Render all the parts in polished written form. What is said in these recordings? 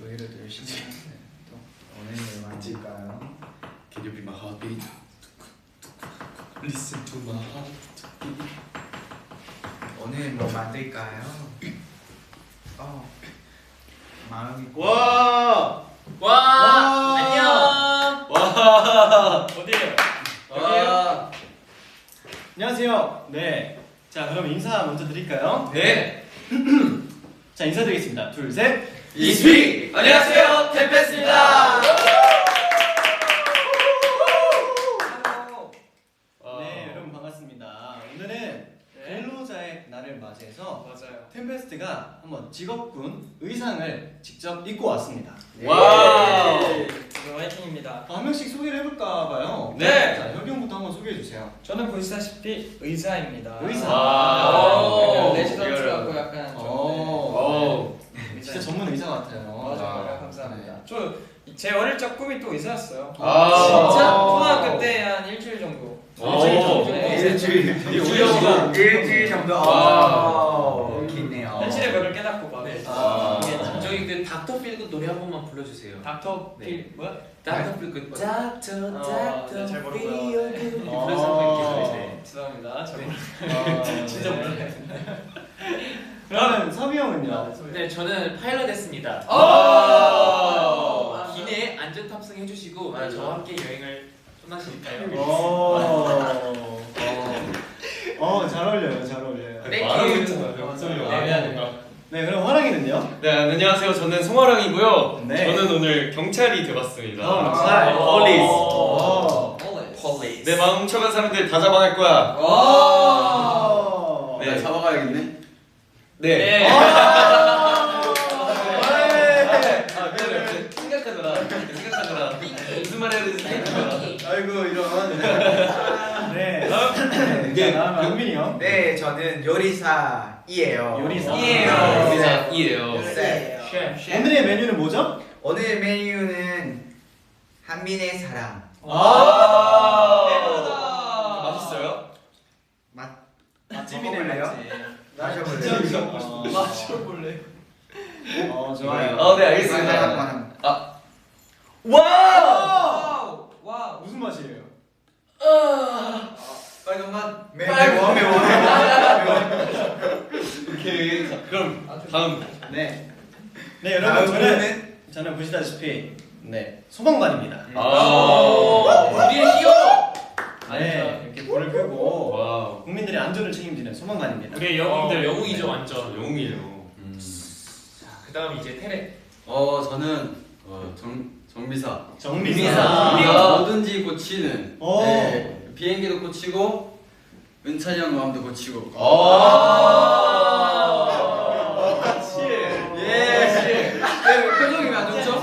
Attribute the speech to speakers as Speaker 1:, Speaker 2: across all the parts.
Speaker 1: 이래도 열심히 하는데 또 오늘 만질까요?
Speaker 2: Can you be my heartbeat? Listen to my heartbeat.
Speaker 1: 오늘 뭐 만들까요? 마음이
Speaker 3: 와!
Speaker 4: 안녕.
Speaker 3: 와!
Speaker 4: 어디에요?
Speaker 3: 와!
Speaker 5: 안녕하세요. 네. 자, 그럼 인사 먼저 드릴까요?
Speaker 3: 네!
Speaker 5: 자, 인사드리겠습니다. 둘, 셋.
Speaker 3: 이스피! 안녕하세요, 템페스입니다!
Speaker 5: 네, 여러분 반갑습니다. 오늘은 근로자의 날을 맞이해서
Speaker 4: 맞아요.
Speaker 5: 템페스트가 한번 직업군 의상을 직접 입고 왔습니다.
Speaker 3: 와우!
Speaker 4: 화이팅입니다.
Speaker 5: 한 명씩 소개를 해볼까 봐요.
Speaker 3: 네.
Speaker 5: 자, 혁이 형부터 한번 소개해주세요.
Speaker 4: 저는 보시다시피 의사입니다.
Speaker 5: 의사.
Speaker 3: 오.
Speaker 4: 레지던트 같고 약간 좀
Speaker 3: 오.
Speaker 5: 진짜 전문 의사 같아요.
Speaker 4: 맞아요. 감사합니다. 저 제 어릴 적 꿈이 또 의사였어요.
Speaker 3: 아.
Speaker 4: 진짜? 초등학교 때 한 일주일 정도.
Speaker 5: 일주일 정도?
Speaker 1: 일주일 정도.
Speaker 3: 와.
Speaker 1: 기네요.
Speaker 4: 현실의 벽을 깨닫고 막.
Speaker 6: 저희 그 닥터 필그 노래 한 번만 불러주세요.
Speaker 4: 닥터
Speaker 6: 네.
Speaker 4: 필 뭐야?
Speaker 6: 닥터 필그 닥터
Speaker 4: 네, 잘 모르고요.
Speaker 6: 그런 상황이 있어요.
Speaker 4: 죄송합니다. 잘 모르. 진짜 몰라요.
Speaker 5: 그러면 섭이 형은요?
Speaker 6: 네, 저는 파일럿 했습니다. 기내 안전 탑승 해주시고 저와 함께 여행을 떠나실까요?
Speaker 5: 잘 어울려요, 잘 어울려요.
Speaker 3: 말하고 있잖아요.
Speaker 5: 네, 그럼 화랑이는요?
Speaker 3: 네, 안녕하세요. 저는 송화랑이고요.
Speaker 5: 네.
Speaker 3: 저는 오늘 경찰이 돼봤습니다.
Speaker 5: 경찰.
Speaker 6: 폴리스.
Speaker 3: 내 마음 훔쳐간 사람들 다 잡아갈 거야.
Speaker 5: 네.
Speaker 3: 네.
Speaker 2: 잡아가야겠네.
Speaker 3: 네.
Speaker 4: 네.
Speaker 3: 미안해. 생각하느라. 무슨 말 해야 되지 생각하느라.
Speaker 5: 아이고, 이런. 네.
Speaker 3: 네.
Speaker 5: 자, 다음 영민이 형.
Speaker 1: 네, 저는 요리사이에요.
Speaker 3: 이에요.
Speaker 1: 네.
Speaker 5: 오늘의 메뉴는 뭐죠?
Speaker 1: 오늘 메뉴는 한민의 사랑.
Speaker 3: 맛있어요?
Speaker 1: 맛집이네요. 마셔볼래요?
Speaker 4: 마셔볼래?
Speaker 5: 좋아요.
Speaker 3: 네, 알겠습니다.
Speaker 1: 한번.
Speaker 3: 와우!
Speaker 4: 와우.
Speaker 5: 무슨 맛이에요?
Speaker 3: 빨간 맛.
Speaker 1: 매워.
Speaker 3: 오케이. 자, 그럼 다음.
Speaker 5: 네. 네, 여러분, 저는 보시다시피 소방관입니다.
Speaker 6: 우리의 히어로.
Speaker 5: 네, 이렇게 불을 끄고
Speaker 3: 와우.
Speaker 5: 국민들의 안전을 책임지는 소방관입니다.
Speaker 6: 우리의 영웅들 영웅이죠 완전.
Speaker 3: 영웅이에요.
Speaker 6: 그다음 이제 테레.
Speaker 2: 저는 정비사.
Speaker 5: 정비사.
Speaker 2: 우리가 뭐든지 고치는.
Speaker 5: 오.
Speaker 2: 네, 비행기도 고치고 은찬이 형 마음도 고치고.
Speaker 3: 같이.
Speaker 2: 예. 표정이 왜 안 좋죠?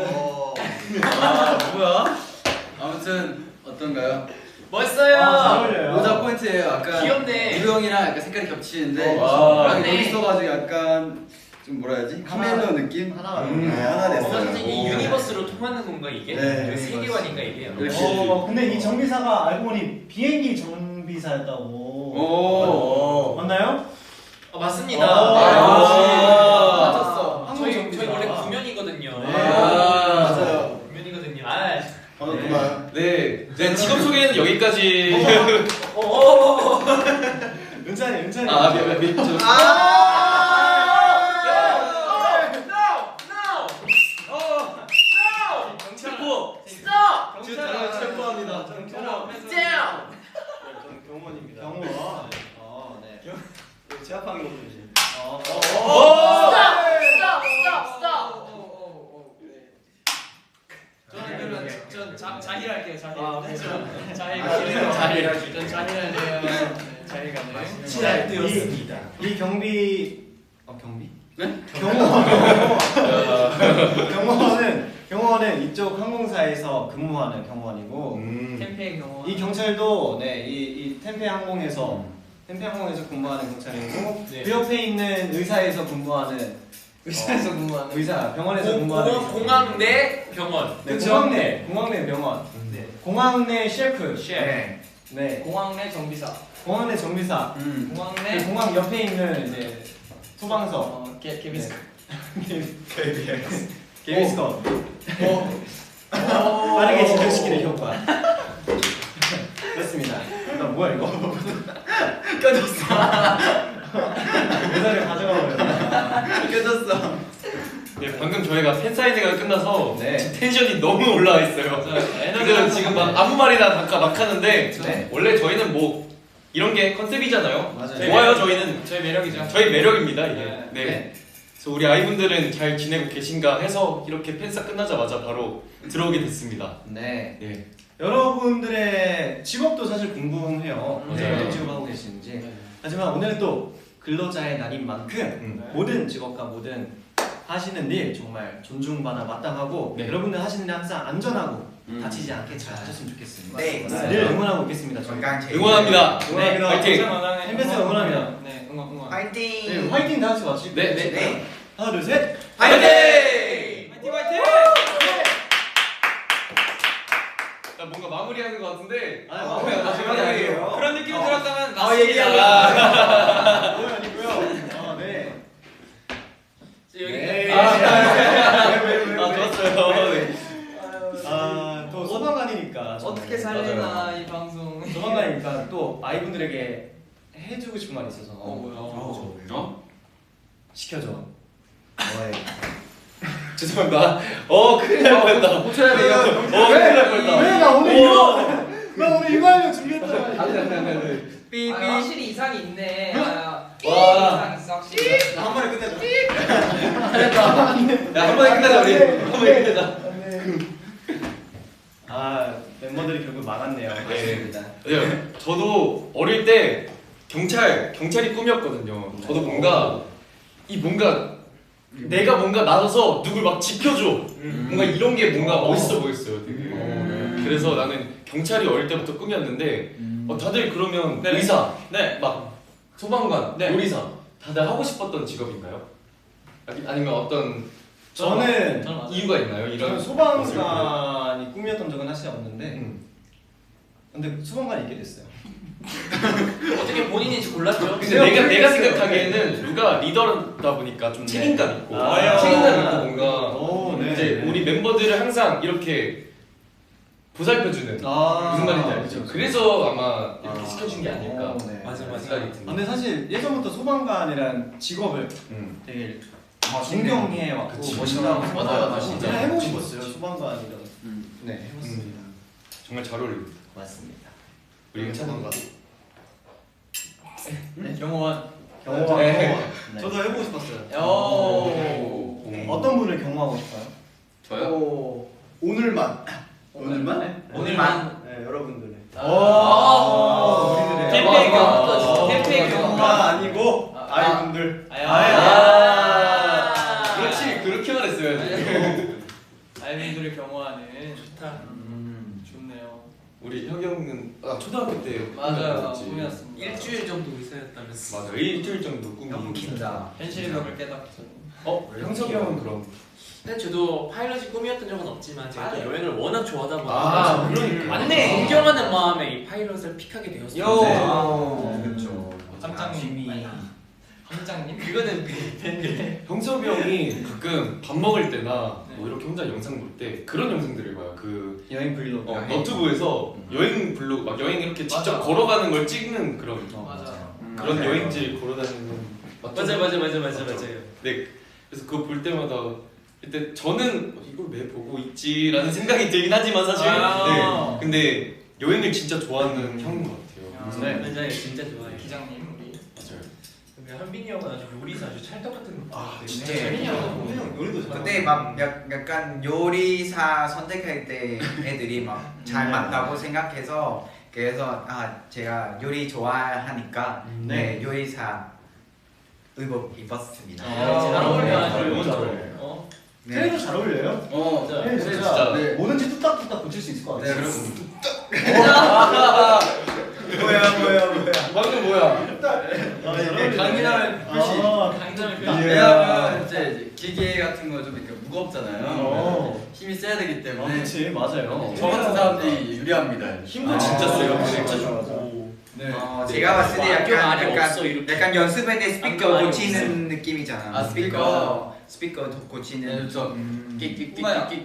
Speaker 2: 뭐야? 아무튼 어떤가요?
Speaker 6: 멋있어요.
Speaker 5: 잘 어울려요.
Speaker 2: 모자 포인트예요. 약간
Speaker 6: 귀엽네.
Speaker 2: 우리 형이랑 약간 색깔이 겹치는데
Speaker 3: 와.
Speaker 2: 여기 있어가지고 약간 좀 뭐라 해야지? 카멜로 느낌?
Speaker 5: 하나.
Speaker 2: 하나 됐어요.
Speaker 6: 사실 이 유니버스로 통하는 건가 이게?
Speaker 2: 네.
Speaker 6: 그 세계관인가 이게?
Speaker 2: 역시.
Speaker 5: 근데 이 정비사가 알고 보니 비행기 정비사였다고.
Speaker 2: 오.
Speaker 5: 맞나요?
Speaker 6: 맞습니다.
Speaker 2: 맞았어.
Speaker 6: 저희 원래 구면이거든요.
Speaker 2: 맞아요.
Speaker 6: 구면이거든요.
Speaker 3: 네. 네, 직업 소개는 여기까지.
Speaker 5: 은찬이.
Speaker 3: 저.
Speaker 6: 경찰부.
Speaker 3: 경찰을 체포합니다.
Speaker 5: 저는 경호원입니다. 경호원. 네. 제압하는 거 조심.
Speaker 4: 저는 그러면 전 자힐할게요. 자힐. 자힐.
Speaker 6: 자힐.
Speaker 4: 전 자힐할래요. 자힐 가네.
Speaker 1: 잘 되었습니다.
Speaker 5: 이 경비 경비?
Speaker 2: 네?
Speaker 5: 경호원은 이쪽 항공사에서 근무하는 경호원이고
Speaker 4: 캠페인 경호.
Speaker 5: 이 경찰도 이 템페 항공에서 근무하는 경찰이고
Speaker 4: 네.
Speaker 5: 그 옆에 있는 의사에서 근무하는
Speaker 4: 의사에서 근무하는.
Speaker 5: 의사 병원에서 근무하는 의사.
Speaker 6: 공항 내 병원.
Speaker 5: 네,
Speaker 6: 그쵸?
Speaker 5: 공항 내 병원.
Speaker 6: 네.
Speaker 5: 공항 내 셰프.
Speaker 6: 셰프.
Speaker 5: 네.
Speaker 4: 공항 내 정비사.
Speaker 5: 공항 내 정비사.
Speaker 4: 공항
Speaker 5: 그
Speaker 4: 내
Speaker 5: 공항 옆에 있는 이제 소방서.
Speaker 4: 개비스.
Speaker 5: KBS. 게임스컴. 빠르게 진행시키는 효과. 그렇습니다. 나 뭐야 이거?
Speaker 1: 껴졌어.
Speaker 5: 모자를 가져가 버렸네.
Speaker 1: 껴졌어.
Speaker 3: 네, 방금 저희가 팬사인회가 끝나서
Speaker 5: 네.
Speaker 3: 텐션이 너무 올라와 있어요. 그래서 지금 막 아무 말이나 막 하는데
Speaker 5: 네.
Speaker 3: 원래 저희는 뭐 이런 게 컨셉이잖아요.
Speaker 5: 맞아요.
Speaker 3: 좋아요, 저희는
Speaker 6: 저희 매력이죠.
Speaker 3: 저희 매력입니다 이게.
Speaker 6: 네.
Speaker 3: 네. 그래서 우리 아이분들은 잘 지내고 계신가 해서 이렇게 팬사 끝나자마자 바로 들어오게 됐습니다.
Speaker 5: 네.
Speaker 3: 네.
Speaker 5: 여러분들의 직업도 사실 궁금해요.
Speaker 3: 맞아요.
Speaker 5: 어떤 직업 하고 계신지. 하지만 오늘은 또 근로자의 날인 만큼 모든 직업과 모든 하시는 일 정말 존중받아 마땅하고
Speaker 3: 네.
Speaker 5: 여러분들 하시는 일 항상 안전하고 다치지 않게 잘 하셨으면 좋겠습니다.
Speaker 1: 네.
Speaker 5: 늘 응원하고 있겠습니다. 저희.
Speaker 3: 응원합니다.
Speaker 5: 네,
Speaker 3: 화이팅!
Speaker 5: 햄베스 응원합니다.
Speaker 6: 네, 응원.
Speaker 1: 파이팅.
Speaker 5: 네, 화이팅 다 같이 마실게요.
Speaker 3: 네,
Speaker 1: 네. 네.
Speaker 5: 하나 둘 셋.
Speaker 1: 파이팅.
Speaker 6: 화이팅!
Speaker 3: 나 뭔가 마무리하는 것 같은데.
Speaker 5: 아,
Speaker 3: 마무리가
Speaker 5: 마무리
Speaker 1: 아니에요.
Speaker 6: 그런 느낌이 들었다면
Speaker 1: 아, 얘기하고.
Speaker 5: 그건 아니고요. 네.
Speaker 6: 여기
Speaker 5: 네.
Speaker 3: 좋았어요. 네.
Speaker 5: 또 소방관이니까
Speaker 6: 어떻게 살리나 이 방송.
Speaker 5: 소방관이니까 또 아이분들에게 해주고 싶은 말이 있어서.
Speaker 6: 뭐야?
Speaker 3: 어?
Speaker 5: 시켜줘.
Speaker 3: 죄송합니다. 큰일 날 뻔했다.
Speaker 6: 고쳐야 돼요.
Speaker 3: 큰일 날 뻔했다.
Speaker 5: 나 오늘 이거 나 오늘 이거 하려고 준비했잖아.
Speaker 6: 삐삐. 확실히 이상이 있네.
Speaker 3: 와.
Speaker 6: 이상 있어 확실히.
Speaker 1: 한 번에 끝내자.
Speaker 3: 야, 한 번에 끝내자 우리. 한 번에 끝내자.
Speaker 5: 멤버들이 결국 망했네요.
Speaker 3: 네. 네. 저도 어릴 때 경찰이 꿈이었거든요. 저도 뭔가 내가 뭔가 나서서 누굴 막 지켜줘. 뭔가 이런 게 뭔가 멋있어 보였어요. 되게. 그래서 나는 경찰이 어릴 때부터 꿈이었는데 다들 그러면
Speaker 6: 네.
Speaker 3: 의사,
Speaker 6: 네.
Speaker 3: 막 소방관,
Speaker 6: 네.
Speaker 3: 요리사 다들 하고 싶었던 직업인가요? 아니면 어떤
Speaker 5: 저는
Speaker 3: 이유가 있나요? 이런
Speaker 5: 저는 소방관이 꿈이었던 적은 사실 없는데 근데 소방관이 있게 됐어요.
Speaker 6: 어떻게 본인인지 골랐죠?
Speaker 3: 근데 내가 생각하기에는 누가 리더다 보니까 좀 책임감 있고 책임감 있고 뭔가 이제 우리 멤버들을 항상 이렇게 보살펴주는 무슨 말인지 알죠? 그래서 아마 이렇게 시켜준 게 아닐까
Speaker 5: 맞아.
Speaker 3: 생각이 듭니다.
Speaker 5: 근데 사실 예전부터 소방관이란 직업을 되게 존경해 왔고
Speaker 3: 그치.
Speaker 5: 멋있다고
Speaker 3: 맞아요.
Speaker 5: 생각하고
Speaker 3: 진짜
Speaker 5: 그냥 해보고
Speaker 3: 멋있어요.
Speaker 5: 싶었어요. 소방관이란. 네, 해봤습니다.
Speaker 3: 정말 잘 어울립니다.
Speaker 5: 맞습니다.
Speaker 3: 우리 괜찮은가?
Speaker 5: 네?
Speaker 6: 경호원.
Speaker 5: 경호원.
Speaker 3: 네.
Speaker 5: 저도 해보고 싶었어요.
Speaker 3: 오.
Speaker 5: 어떤 분을 경호하고 싶어요?
Speaker 3: 저요?
Speaker 1: 오늘만.
Speaker 6: 오늘만.
Speaker 5: 네, 여러분들의.
Speaker 6: 아. 캠페인 경호. 캠페인 경호.
Speaker 5: 아니고 아이분들.
Speaker 3: 그렇지 그렇게 말했어야지.
Speaker 6: 아이들을 경호하는 좋다. 좋네요.
Speaker 3: 우리 혁이 형은 초등학교 때
Speaker 6: 맞아요.
Speaker 3: 꿈이었지.
Speaker 6: 꿈이었습니다.
Speaker 4: 일주일 정도 의사였다면서.
Speaker 3: 맞아 일주일 정도 꿈이.
Speaker 1: 너무 긴다.
Speaker 6: 현실의 벽을 깨닫죠.
Speaker 3: 형석이 형은 그럼.
Speaker 4: 근데 저도 파일럿이 꿈이었던 적은 없지만 제가 또
Speaker 6: 맞아요.
Speaker 4: 여행을 워낙 좋아하다 보니까
Speaker 3: 그러니까.
Speaker 6: 맞네.
Speaker 4: 존경하는 마음에 이 파일럿을 픽하게 되었어요.
Speaker 1: 그렇죠.
Speaker 6: 함장님. 함장님?
Speaker 4: 그거는 팬들.
Speaker 3: 형석이 형이 가끔 밥 먹을 때나 뭐 이렇게 혼자 영상 볼 때 그런 영상들을 봐요. 그
Speaker 5: 여행 브이로그.
Speaker 3: 너튜브에서 여행 블로그 막 여행 이렇게 직접
Speaker 6: 맞아.
Speaker 3: 걸어가는 걸 찍는 그런
Speaker 6: 맞아.
Speaker 3: 그런
Speaker 1: 맞아요.
Speaker 3: 여행지 걸어다니는
Speaker 4: 맞아요.
Speaker 3: 네 그래서 그거 볼 때마다 그때 저는 이걸 왜 보고 있지라는 생각이 들긴 하지만 사실
Speaker 6: 아.
Speaker 3: 네 근데 여행을 진짜 좋아하는 형인 것 같아요.
Speaker 6: 네.
Speaker 4: 맞아요, 진짜 좋아해요.
Speaker 6: 기장님 우리.
Speaker 3: 맞아요.
Speaker 4: 근데 한빈이 형은 아주 요리사 아주 찰떡 같은 거.
Speaker 3: 진짜
Speaker 6: 재민이 형.
Speaker 5: 형 요리도 잘.
Speaker 1: 그때 막 약간 요리사 선택할 때 애들이 막 잘 맞다고 생각해서 그래서 제가 요리 좋아하니까 네 요리사 의복 입었습니다.
Speaker 6: 잘 어울려 아주.
Speaker 3: 너무 잘 어울려요.
Speaker 5: 트레이도 잘 어울려요.
Speaker 3: 네,
Speaker 5: 진짜,
Speaker 3: 진짜.
Speaker 1: 네.
Speaker 5: 뭐든지 뚝딱뚝딱 고칠 수 있을 것 같아요.
Speaker 1: 뭐야.
Speaker 3: 방금 뭐야?
Speaker 2: 강인함의 표시.
Speaker 6: 강점을 표현.
Speaker 2: 왜냐하면 이제 기계 같은 거 좀 이렇게 무겁잖아요.
Speaker 5: 어.
Speaker 2: 힘이 세야 되기 때문에
Speaker 5: 그렇지 맞아요.
Speaker 2: 저 같은 사람들이 유리합니다.
Speaker 3: 힘도 진짜 세요.
Speaker 5: 맞아,
Speaker 3: 진짜
Speaker 5: 맞아,
Speaker 3: 좋고.
Speaker 5: 맞아.
Speaker 1: 제가 봤을 때
Speaker 6: 학교 말이 없어, 이렇게.
Speaker 1: 약간 연습할 때 스피커
Speaker 6: 학교 말이
Speaker 1: 고치는 느낌이잖아.
Speaker 2: 아, 스피커.
Speaker 1: 스피커 고치는.
Speaker 2: 네, 그렇죠.
Speaker 6: 끼끼끼끼끼끼.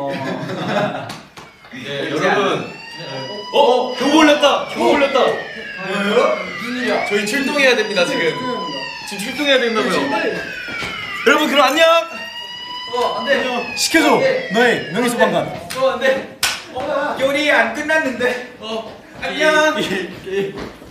Speaker 3: 네, 여러분. 경보 올렸다. 경보 올렸다.
Speaker 2: 무슨 일이야?
Speaker 3: 저희 출동해야 됩니다 지금. 지금 출동해야 된다고요. 여러분 그럼 안녕.
Speaker 2: 안돼.
Speaker 5: 시켜줘. 너의 명예 소방관.
Speaker 2: 안돼.
Speaker 1: 요리 안 끝났는데.
Speaker 2: 어.
Speaker 1: 안녕.